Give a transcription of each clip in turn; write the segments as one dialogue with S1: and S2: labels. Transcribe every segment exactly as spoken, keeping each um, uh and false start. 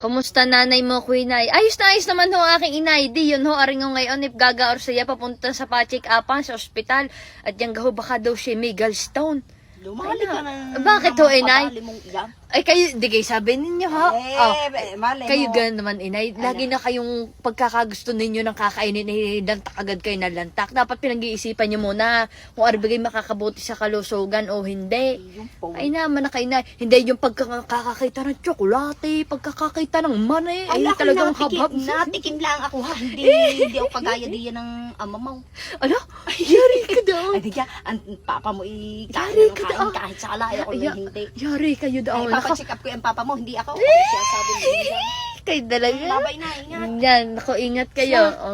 S1: Kumusta nanay mo, Queen Ay? Ayos na ayos naman ho ang aking inay. Di yun ho, aring ho ngayon, if gagaor siya, papunta sa pa-check upan sa ospital. At yan gaho, baka daw siya may gallstone.
S2: Lumali ka ng...
S1: Bakit ho, inay?
S2: Pabali mong iyan.
S1: Ay, kayo, di kayo sabi ninyo, ha?
S2: Eh,
S1: Oh,
S2: eh, mali
S1: kayo
S2: mo.
S1: ganun naman, inay. Lagi na kayong pagkakagusto ninyo ng kakainin, eh, lantak agad kayo na lantak. Dapat pinag-iisipan nyo muna kung arbigay makakabuti sa kalusugan o hindi.
S2: Yung po.
S1: Ay naman na kayo na, hindi yung pagkakakita ng tsokolate, pagkakakita ng money, ay
S2: Ala,
S1: talagang
S2: natikim,
S1: habhab.
S2: natikim lang ako ha. Hindi, hindi ako kagaya diyan ng ama mo.
S1: Ano? Yari ka daw.
S2: Ay, di ka, ang papa mo i
S1: Yari
S2: kain ng
S1: ka
S2: kain
S1: daw.
S2: kahit sa alaya ko
S1: Ya-
S2: na hindi.
S1: Yari kayo
S2: Ay,
S1: daw. Nako,
S2: papacheck up ko yung papa mo, hindi ako. Ako siya sabi mo.
S1: kayo talaga.
S2: Babay na, ingat.
S1: Yan, nako, ingat kayo. Oh.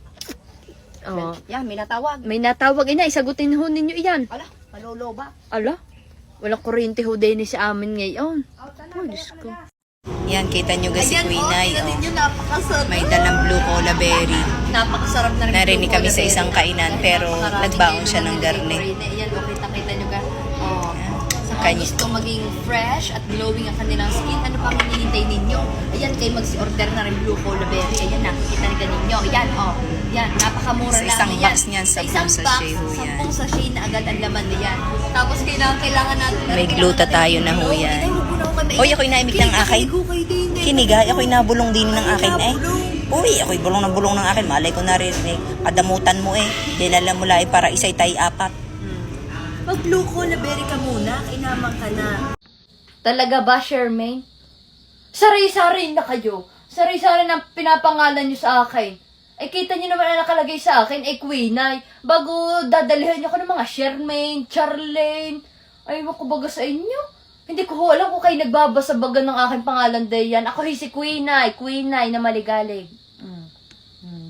S1: Oh.
S2: Yan, may natawag.
S1: May natawag, ina, isagutin ho ninyo iyan.
S2: Ala, maloloba.
S1: Ala, walang kuryente ho din sa amin ngayon. Oh, Diyos ko.
S3: Yan, kita nyo ga si Queen Ay, oh.
S2: Yun, napakasarap.
S3: May dalang blue cola berry.
S2: Napakasarap na rin.
S3: Narinig kami sa isang kainan, pero nagbaon siya ng garne.
S1: Yan, o, kita-kita nyo ka. Oh. Sa
S3: Kanya-
S1: gusto maging fresh at glowing ang kanilang skin, ano pang hinihintay ninyo? Ayan, kayo mag-order na rin blue cola berry. Ayan, nakikita na ninyo. Ayan, oh. Yan, napakamura
S3: Sa
S1: lang.
S3: isang
S1: Ayan.
S3: box niyan,
S1: Sa
S3: sampung
S1: isang
S3: sachet
S1: box,
S3: ho yan.
S1: sampung sachet na agad ang laman niyan. Tapos kailangan, kailangan natin.
S3: May
S1: kailangan
S3: gluta
S1: natin
S3: tayo
S1: yung
S3: na ho
S1: glow.
S3: yan.
S1: Ay, huwag mo na ako kay-
S3: Hoy, ako'y naimik ng akin.
S1: Kinikilig ko kayo din, eh.
S3: Kinigay, ako'y nabulong din ng akin eh. Uy, ako'y bulong na bulong ng akin. Malay ko narinig. Kadamutan mo eh. Dinala mo lang eh, para isa'y tay apat.
S1: Pag blue cola berry ka muna, kinamang ka na. Talaga ba, Shermaine? Sari-sari na kayo. Sari-sari na pinapangalan nyo sa akin. Ay, kita nyo naman na nakalagay sa akin, eh, Queen Ay. Bago dadalhin nyo ko ng mga Shermaine, Charlene. Ay, makubaga sa inyo. Hindi ko ho alam kung kayo nagbabasa-baga ng aking pangalan diyan. Ako hi si Queen Ay, Queen Ay na maligalig. Mm. Mm.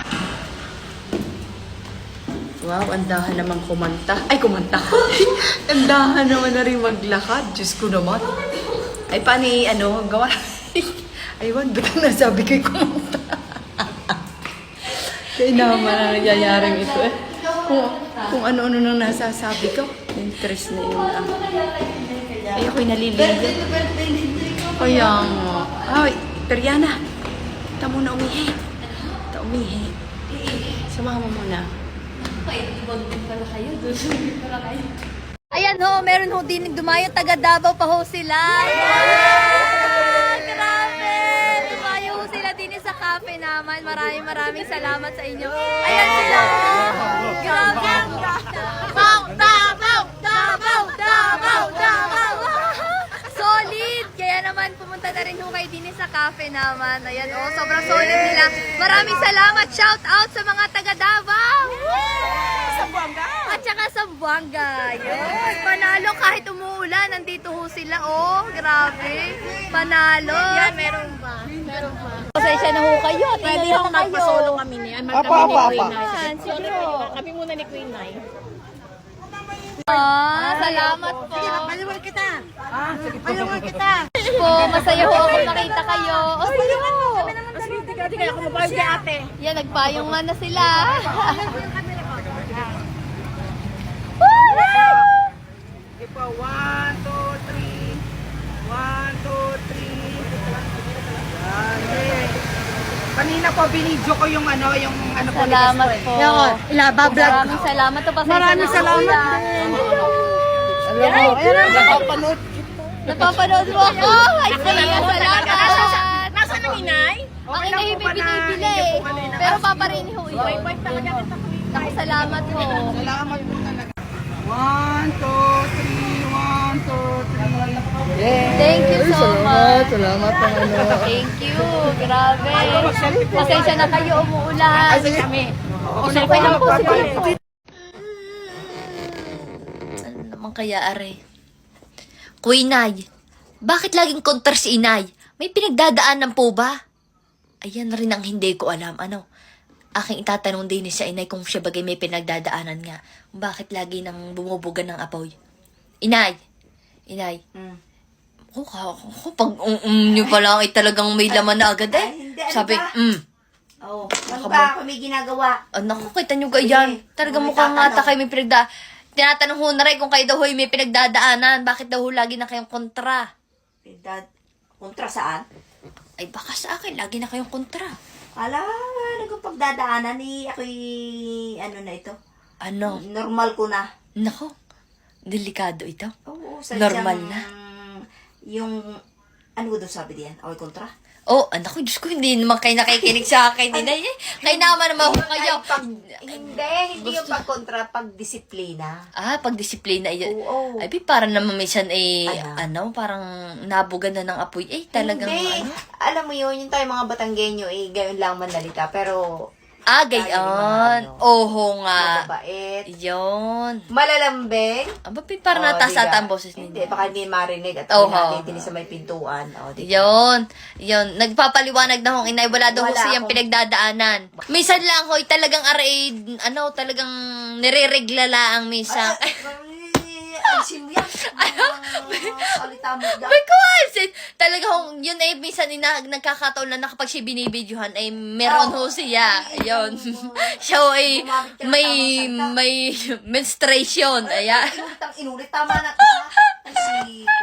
S4: Wow, andahan naman kumanta. Ay, kumanta. Andahan naman na rin maglakad. Diyos ko naman. Ay, paano eh, ano, gawa? Aywan, ba't ang nasabi ko'y kumanta? Kaya naman na nangyayaring ito eh. Kung, kung ano-ano nang nasasabi ko, interest na yun ah. Ay, ako'y naliligo. Kaya nga. Ay, Periana, ta muna umihi. Ta umihi. Sumama mo muna.
S1: Ayan ho, meron ho din dumayo, taga Davao pa ho sila. Wow! Grabe! Dumayo ho sila din sa cafe naman. Maraming maraming salamat sa inyo. Ayan sila! Grabe! Davao! Davao! Davao! Davao! Davao! Solid! Kaya naman pumunta na rin ho kayo din sa cafe naman. Ayan oh, sobrang solid nila. Maraming salamat! Shout out sa mga taga Davao! At saka sa Buanga. Yun. Panalo kahit umuulan. Nandito ho sila. Oh, grabe. Panalo. Yan, meron ba? Meron ba? Pasensya na ho kayo. At
S5: Pwede
S1: ingat
S5: akong
S1: na kayo.
S5: magpasolo kami ni Ann.
S2: Apa, apa, apa.
S1: Yan, sige po.
S5: Kami muna ni Queen Nay.
S1: Ah, salamat po.
S2: Paliwan kita. Ah, sige po.
S1: Paliwan kita. Po, masaya ho ako makita kayo. O, sige ho.
S5: Hindi ka, hindi kaya ako mabayag kay ate.
S1: Yan, nagpayong nga na sila.
S2: Sige po, one, two, three. One, two, three. Yan. Kanina po, binidyo ko yung ano, yung ano po.
S1: Salamat po.
S2: Ilabablog.
S1: Maraming salamat po. Pasensya
S2: Maraming
S1: na ho
S2: salamat
S1: yan.
S2: Alam mo, ayan, nakapanood.
S1: Napapanood mo ako. Ay, sige, salamat.
S5: Nasaan ang inay?
S1: Ang inahin may binibili eh. Pero paparin ho yun.
S5: Wife talaga kita Queen.
S1: Naku, salamat po.
S2: Salamat po talaga. One, two, three. One, two, three.
S1: Thank you so much.
S2: Salamat po.
S1: Thank you. Grabe. Pasensya na kayo umuulan.
S5: Kami.
S1: Okay lang po. Sige lang po. Ano naman kaya, are? Kuy, Nay, bakit laging kontra si Inay? May pinagdadaanan po ba? Ayan rin ang hindi ko alam. Ano? Aking itatanong din sa Inay kung siya bagay may pinagdadaanan nga. Bakit lagi nang bumubugan ng apoy? Inay! Inay!
S2: Mm.
S1: Oh, ako, pag um-um nyo pa lang ay talagang may laman na agad eh.
S2: Ay, hindi, ano
S1: Sabi,
S2: ba?
S1: mm.
S2: Oo. Ano ba ako may ginagawa?
S1: Oh, naku, kita nyo ganyan. Talagang
S2: May
S1: mukhang
S2: tatanong.
S1: ata kayo may pinagda... Tinatanong ho na rin kung kayo daw ho'y may pinagdadaanan. Bakit daw ho lagi na kayong kontra?
S2: Dad, kontra saan?
S3: Ay, baka sa akin, lagi na kayong kontra. Ala, nagpagdadaanan ni ako'y, ano na ito?
S4: Ano?
S3: Normal ko na.
S4: Nako, delikado ito.
S3: Oo,
S4: Normal na.
S3: Yung, ano ko doon sabi diyan? Ako'y kontra?
S4: Oh, anak ko, Diyos ko, hindi naman kayo nakikinig sa akin. Hindi, eh. Kayo naman naman ho kayo.
S3: Pag, hindi, hindi yung pagkontra, pagdisiplina.
S4: Ah, pagdisiplina. Yun.
S3: Oo.
S4: Ay, parang naman minsan eh,
S3: Ano?
S4: ano, parang nabugan na ng apoy. Eh, talagang
S3: Hindi.
S4: ano.
S3: Alam mo yun, yung tayo mga Batanggenyo, eh, gayon lang manalita. Pero,
S4: Ah,
S3: Tayo
S4: gayon.
S3: yung mga ano,
S4: Oho nga.
S3: mababait.
S4: Yun.
S3: Malalambing.
S4: Aba, parang
S3: Oh,
S4: natasa
S3: diga.
S4: ang boses
S3: Hindi,
S4: ninyo.
S3: baka hindi marinig. At
S4: Oo.
S3: ako natin sa may pintuan. O, di ba?
S4: Yun. Yun. Nagpapaliwanag na hong inay. Wala daw ho
S3: Wala
S4: siyang
S3: akong-
S4: pinagdadaanan. Minsan lang hoy, talagang aray, ano, talagang nire-regla lang minsan.
S3: Ay, ay, sim yan. Salita mo dyan.
S4: My God! Talaga hong, yun ay minsan ina, nagkakataon na nakapag siya binibidyohan ay meron ho siya. Ayun. Siya ho ay may, may menstruation. Ayan.
S3: Inulit ang inulit. Tama na. Ha? Ay, si